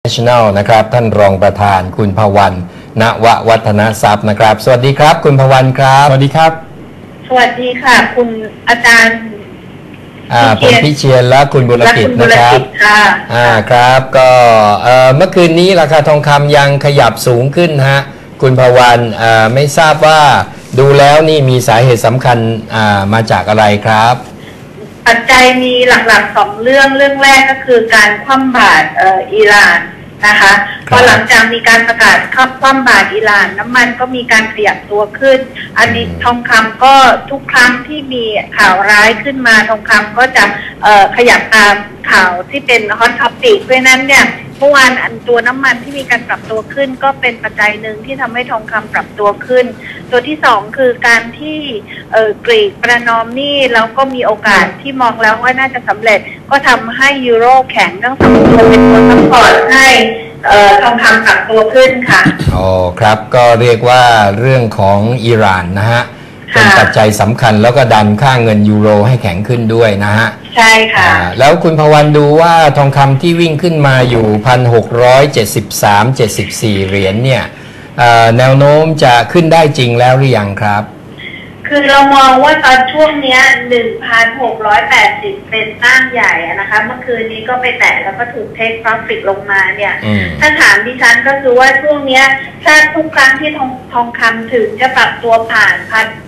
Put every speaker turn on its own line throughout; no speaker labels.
National นะครับท่านรองประธานคุณภวรรณ ณววัฒนทรัพย์นะครับสวัสดีครับคุณภวรรณครับสวัสดีครับ
สวัสดีค่ะคุณอาจารย์
ผมพิเชียรและคุณบุรกิจนะครับครับก็เมื่อคืนนี้ราคาทองคำยังขยับสูงขึ้นฮะคุณภวรรณไม่ทราบว่าดูแล้วนี่มีสาเหตุสำคัญมาจากอะไรครับ
ปัจจัยมีหลักๆ2เรื่องแรกก็คือการคว่ำบาตรอิหร่านนะคะพอหลังจากมีการประกาศคว่ำบาตรอิหร่านน้ำมันก็มีการขยับตัวขึ้นอันนี้ทองคำก็ทุกครั้งที่มีข่าวร้ายขึ้นมาทองคำก็จะขยับตามข่าวที่เป็นฮอตท็อปิกเพราะนั้นเนี่ยเมื่อวานตัวน้ำมันที่มีการปรับตัวขึ้นก็เป็นปัจจัยหนึ่งที่ทำให้ทองคำปรับตัวขึ้นตัวที่2คือการที่กรีกประนอมหนี้แล้วก็มีโอกาสที่มองแล้วว่าน่าจะสำเร็จก็ทำให้ยูโรแข็งทั้งสองตัวเป็นตัวซัพพอร์ตให้ทองคำปรับตัวขึ้นค่ะ
อ๋อครับก็เรียกว่าเรื่องของอิหร่านนะฮะเป็นปัจจัยสำคัญแล้วก็ดันค่าเงินยูโรให้แข็งขึ้นด้วยนะฮะ
ใช่ค่ะ
แล้วคุณภวรรณดูว่าทองคำที่วิ่งขึ้นมาอยู่1,673.74 เหรียญเนี่ยแนวโน้มจะขึ้นได้จริงแล้วหรือยังครับ
คือเรามองว่าตอนช่วงนี้ 1,680 เป็นตั้งใหญ่นะคะเมื่อคืนนี้ก็ไปแตะแล้วก็ถูกเทคโปรฟิตลงมาเนี่ยถ้าถามดิฉันก็คือว่าช่วงนี้ถ้าทุกครั้งที่ทองคำถึงจะปรับตัวผ่าน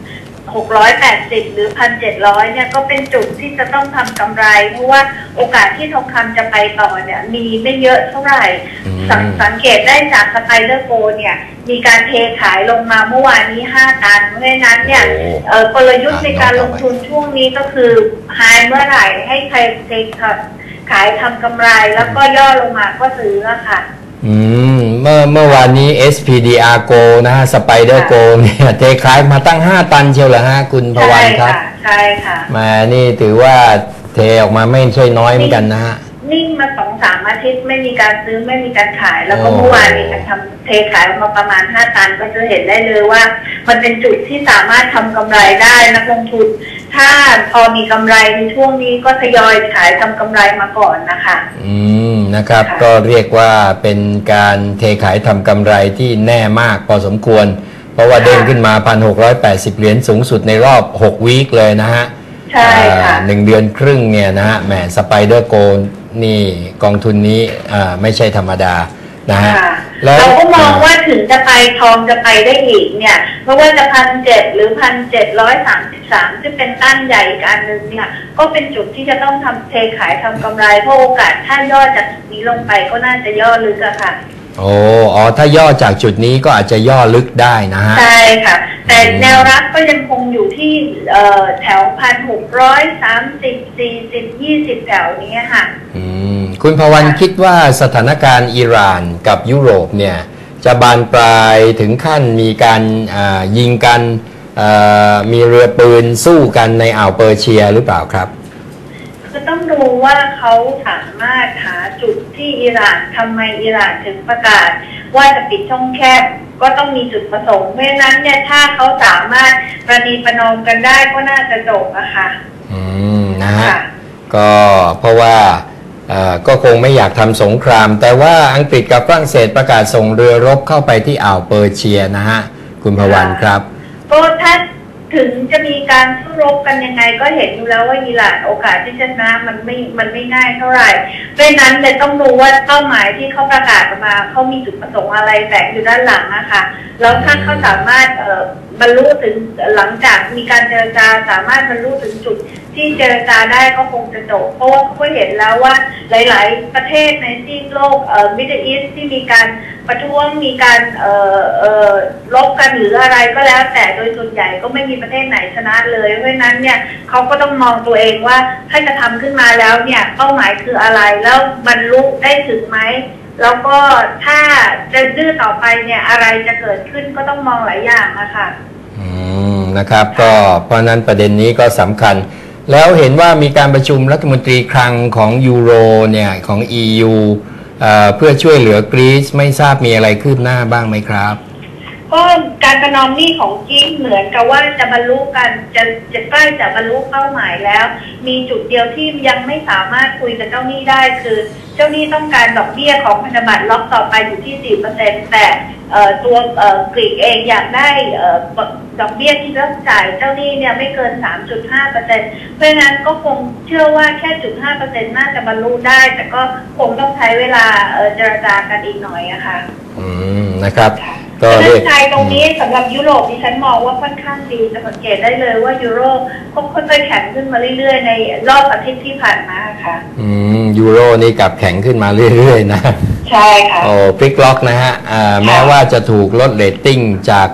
1,680 หรือ 1,700 เนี่ยก็เป็นจุดที่จะต้องทำกำไรเพราะว่าโอกาสที่ทองคำจะไปต่อเนี่ยมีไม่เยอะเท่าไหร่สังเกตได้จากสไปเดอร์โกเนี่ยมีการเทขายลงมาเมื่อวานนี้5 ตันเพราะฉะนั้นเนี่ยกลยุทธ์ในการลงทุนช่วงนี้ก็คือไฮเมื่อไหร่ให้ใครเทขายทำกำไรแล้วก็ย่อลงมาก็ซื้อค่ะ
เมื่อวานนี้ SPDR Go นะฮะ Spider Go เนี่ยเทขายมาตั้ง5 ตันเชียวเหรอฮะคุณภวรรณครับ
ใช่ค่ะ
มานี่ถือว่าเทออกมาไม่ใช่น้อยเหมือนกันนะฮะ
นิ่งมา2-3 อาทิตย์ไม่มีการซื้อไม่มีการขายแล้วก็เมื่อวานนี้การทำเทขายมาประมาณ5 ตันก็จะเห็นได้เลยว่ามันเป็นจุดที่สามารถทำกำไรได้นักลงทุนถ้าพอมีกำไรในช่วงนี้ก็ทยอยขายทำกำไรมาก่อนนะคะ
นะครับก็เรียกว่าเป็นการเทขายทำกำไรที่แน่มากพอสมควรเพราะว่าเด้งขึ้นมา 1,680 เหรียญสูงสุดในรอบ6 วีคเลยนะฮะ
ใช่ค่ะ
1 เดือนครึ่งเนี่ยนะฮะแหมสไปเดอร์โกนี่กองทุนนี้ไม่ใช่ธรรมดานะฮะ
เราก็มองว่าถึงจะไปทองจะไปได้อีกเนี่ยเพราะว่าจะ1,700 หรือ 1,733 ซึ่งเป็นต้านใหญ่อีกอันนึงเนี่ยก็เป็นจุดที่จะต้องทำเทขายทำกำไรเพราะโอกาสถ้าย่อจากจุดนี้ลงไปก็น่าจะย่อลึกอะค่ะ
ถ้าย่อจากจุดนี้ก็อาจจะย่อลึกได้นะฮะ
ใช่ค่ะแต่แนวรับก็ยังคงอยู่ที่แถว 1,630 40 20 แถวนี้ค่ะ
คุณภวรรณคิดว่าสถานการณ์อิหร่านกับยุโรปเนี่ยจะบานปลายถึงขั้นมีการยิงกันมีเรือปืนสู้กันในอ่าวเปอร์เซียหรือเปล่าครับ
คือต้องดูว่าเขาสามารถหาจุดที่อิหร่านทำไมอิหร่านถึงประกาศว่าจะปิดช่องแคบก็ต้องมีจุดประสงค์เพราะฉะนั้นเนี่ยถ้าเขาสามารถประนีประนอมกันได้ก็น่าจะจบอะค่ะ
นะฮะก็เพราะว่าก็คงไม่อยากทำสงครามแต่ว่าอังกฤษกับฝรั่งเศสประกาศส่งเรือรบเข้าไปที่อ่าวเปอร์เซียนะฮะคุณภวรรณครับ
ก็ถ้าถึงจะมีการสู้รบกันยังไงก็เห็นอยู่แล้วว่าอิหร่านโอกาสที่จะชนะมันไม่ง่ายเท่าไหร่เพราะนั้นเลยต้องดูว่าเป้าหมายที่เขาประกาศออกมาเขามีจุดประสงค์อะไรแฝงอยู่ด้านหลังนะคะแล้วถ้าเขาสามารถบรรลุถึงหลังจากมีการเจรจาสามารถบรรลุถึงจุดที่เจรจาได้ก็คงจะจบเพราะว่าเขาเห็นแล้วว่าหลายๆประเทศในซีกโลกมิดเดิลอีสต์ที่มีการประท้วงมีการลบกันหรืออะไรก็แล้วแต่โดยส่วนใหญ่ก็ไม่มีประเทศไหนชนะเลยเพราะฉะนั้นเนี่ยเขาก็ต้องมองตัวเองว่าถ้าจะทำขึ้นมาแล้วเนี่ยเป้าหมายคืออะไรแล้วบรรลุได้ถึงไหมแล้วก็ถ้าจะดื้อต่อไปเนี่ยอะไรจะเกิดขึ้นก็ต้องมองหลายอย่างนะคะ
นะครับก็เพราะนั้นประเด็นนี้ก็สำคัญแล้วเห็นว่ามีการประชุมรัฐมนตรีคลังของยูโรเนี่ยของ EU เพื่อช่วยเหลือกรีซไม่ทราบมีอะไรคืบหน้าบ้างไหมครับ
ก็การประนอมหนี้ของกิ๊กเหมือนกับว่าจะบรรลุกันจะใกล้จะบรรลุเป้าหมายแล้ว มีจุดเดียวที่ยังไม่สามารถคุยกับเจ้าหนี้ได้คือเจ้าหนี้ต้องการดอกเบี้ยของพันธบัตรล็อกต่อไปอยู่ที่ 4% แต่ตัวกรีกเองอยากได้ดอกเบี้ยที่ต้องจ่ายเจ้าหนี้เนี่ยไม่เกิน 3.5% เพราะฉะนั้นก็คงเชื่อว่าแค่ 0.5% น่าจะบรรลุได้แต่ก็คงต้องใช้เวลาเจรจากันอีกหน่อยอะค่ะ
นะครับ
ก็เรื่องไทยตรงนี้สำหรับยุโรปดิฉันมองว่าค่อนข้างดีจะสังเกตได้เลยว่ายูโรก็ค่อยๆแข็งขึ้นมาเรื่อยๆในรอบอาทิตย์ที่ผ่านมาค่ะ
ยูโรนี่กลับแข็งขึ้นมาเรื่อยๆนะ
ใช่ค่ะ
โอ้พลิกล็อกนะฮะแม้ว่าจะถูกลดเรตติ้งจาก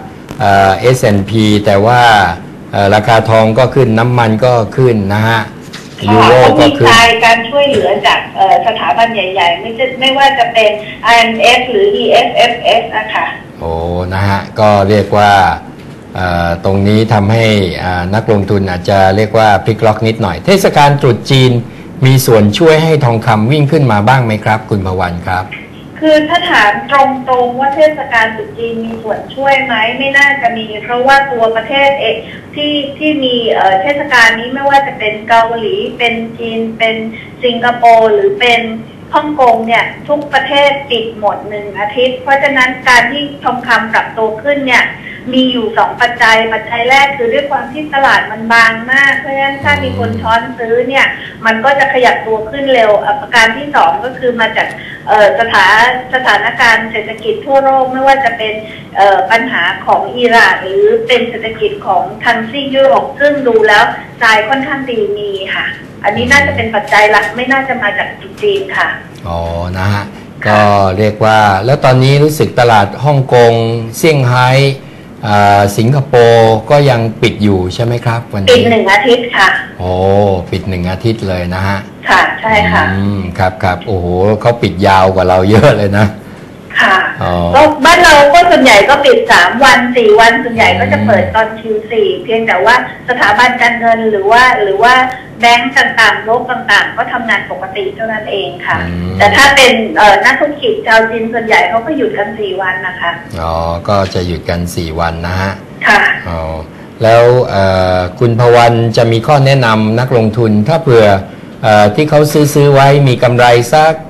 S&P แต่ว่าราคาทองก็ขึ้นน้ำมันก็ขึ้นนะฮะ
ยูโรก็คือการช่วยเหลือจากสถาบันใหญ่ๆไม่ว่าจะเป็น IMF หรือ EFFS นะคะ
โอ้นะฮะก็เรียกว่าตรงนี้ทำให้นักลงทุนอาจจะเรียกว่าพลิกล็อกนิดหน่อยเทศกาลตรุษจีนมีส่วนช่วยให้ทองคำวิ่งขึ้นมาบ้างไหมครับคุณภวรรณครับ
คือถ้าถามตรงๆว่าเทศกาลตรุษจีนมีส่วนช่วยไหมไม่น่าจะมีเพราะว่าตัวประเทศที่มีเทศกาลนี้ไม่ว่าจะเป็นเกาหลีเป็นจีนเป็นสิงคโปร์หรือเป็นฮ่องกงเนี่ยทุกประเทศปิดหมด1 อาทิตย์เพราะฉะนั้นการที่ทองคำปรับตัวขึ้นเนี่ยมีอยู่2 ปัจจัยแรกคือด้วยความที่ตลาดมันบางมากเพราะฉะนั้นถ้ามีคนช้อนซื้อเนี่ยมันก็จะขยับตัวขึ้นเร็วประการที่2ก็คือมาจากสถานการณ์เศรษฐกิจทั่วโลกไม่ว่าจะเป็นปัญหาของอิหร่านหรือเป็นเศรษฐกิจของทางซีกยุโรปซึ่งดูแล้วทรายค่อนข้างดีมีค่ะอันนี้น่าจะเป็นปัจจัยหลักไม่น่าจะมาจากจีนค่ะ
อ๋อนะฮะก็เรียกว่าแล้วตอนนี้รู้สึกตลาดฮ่องกงเซี่ยงไฮ้สิงคโปร์ก็ยังปิดอยู่ใช่ไหมครับวันนี้
ปิด1 อาทิตย์ค่ะ
โอ้ปิด1 อาทิตย์เลยนะฮะ
ค่ะใช่ค่ะ
ครับโอ้โหเขาปิดยาวกว่าเราเยอะเลยนะ
ค่ะก็บ้านเราก็ส่วนใหญ่ก็ปิด3 วัน 4 วันส่วนใหญ่ก็จะเปิดตอน Q4 เพียงแต่ว่าสถาบันการเงินหรือว่าแบงก์ต่างๆโลกต่างๆก็ทำงานปกติเท่านั้นเองค่ะแต่ถ้าเป็นนักธุรกิจชาวจีนส่วนใหญ่เขาก็หยุดกัน4 วันนะคะ
อ๋อก็จะหยุดกัน4 วันนะฮะ
ค่ะ
อ๋อแล้วคุณภวรรณจะมีข้อแนะนำนักลงทุนถ้าเผื่อที่เขาซื้อไว้มีกำไรสัก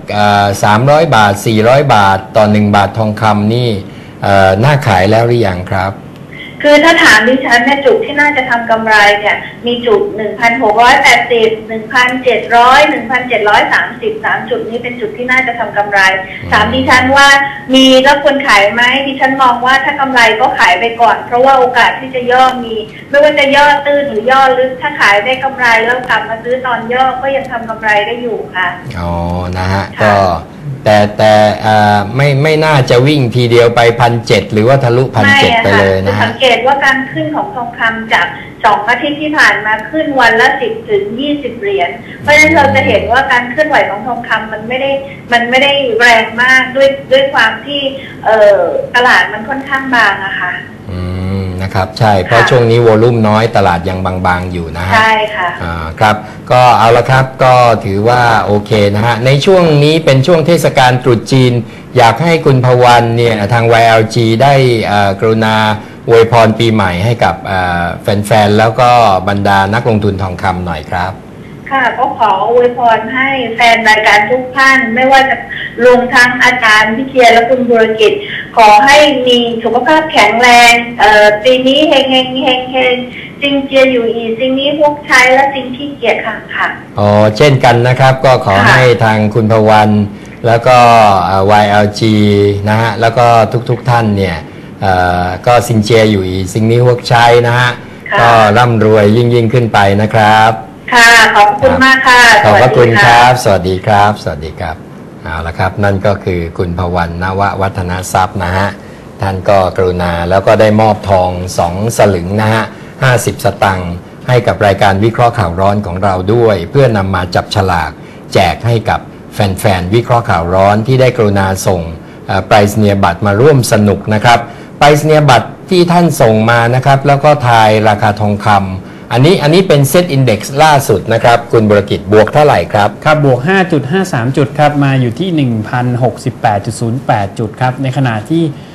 300 บาท400 บาทต่อ1 บาททองคำนี่น่าขายแล้วหรือยังครับ
คือถ้าถามดิฉันเนี่ยจุดที่น่าจะทำกำไรเนี่ยมีจุด 1,680 1,700 1,730 3 จุดนี้เป็นจุดที่น่าจะทำกำไรถามดิฉันว่ามีแล้วควรขายไหมดิฉันมองว่าถ้ากำไรก็ขายไปก่อนเพราะว่าโอกาสที่จะย่อมีไม่ว่าจะย่อตื้นหรือย่อลึกถ้าขายได้กำไรแล้วกลับมาซื้อตอนย่อก็ยังทำกำไรได้อยู่ค่ะ
อ๋อนะฮะก็แต่ไม่น่าจะวิ่งทีเดียวไป1,700หรือว่าทะลุ1,700ไปเลยนะ
สังเกตว่าการขึ้นของทองคำจาก2 อาทิตย์ที่ผ่านมาขึ้นวันละ10 ถึง 20 เหรียญเพราะฉะนั้นเราจะเห็นว่าการเคลื่อนไหวของทองคำมันไม่ได้แรงมากด้วยความที่ตลาดมันค่อนข้างบางอะค่ะ
นะครับใช่เพราะช่วงนี้วอลุ่มน้อยตลาดยังบางๆอยู่นะฮะ
ใช่ค่ะ
ครับก็เอาละครับก็ถือว่าโอเคนะฮะในช่วงนี้เป็นช่วงเทศกาลตรุษจีนอยากให้คุณภวรรณเนี่ยทาง YLG ได้กรุณาอวยพรปีใหม่ให้กับแฟนๆแล้วก็บรรดานักลงทุนทองคำหน่อยครับ
ค่ะก็ขออวยพรให้แฟนรายการทุกท่านไม่ว่าจะรวมทั้งอาจารย์พิเชียรและคุณบุรกิจขอให้มีสุขภาพแข็งแรงปีนี้เฮงจริงเจียอยู่อีสิ่งนี้พวกใช้และสิ่งที่เกียรติค่ะ
อ๋อเช่นกันนะครับก็ขอให้ทางคุณภวรรณแล้วก็ YLG นะฮะแล้วก็ทุกท่านเนี่ยก็ซิงเจียอยู่อีสิ่งนี้พวกใช้นะฮะก็ร่ำรวยยิ่งขึ้นไปนะครับ
ค่ะขอบคุณมากค่ะ
ขอบพระคุณครับสวัสดีครับสวัสดีครับเอาละครับนั่นก็คือคุณภวรรณ นววัฒนทรัพย์นะฮะท่านก็กรุณาแล้วก็ได้มอบทอง2 สลึงนะฮะ50 สตังค์ให้กับรายการวิเคราะห์ข่าวร้อนของเราด้วยเพื่อนำมาจับฉลากแจกให้กับแฟนๆวิเคราะห์ข่าวร้อนที่ได้กรุณาส่งไปรษณียบัตรมาร่วมสนุกนะครับไปรษณียบัตรที่ท่านส่งมานะครับแล้วก็ทายราคาทองคำอันนี้เป็นเซตอินเด็กซ์ล่าสุดนะครับคุณบุรกิจบวกเท่าไหร่ครับ
ครับบวก 5.53 จุดครับมาอยู่ที่ 1,068.08 จุดครับในขณะที่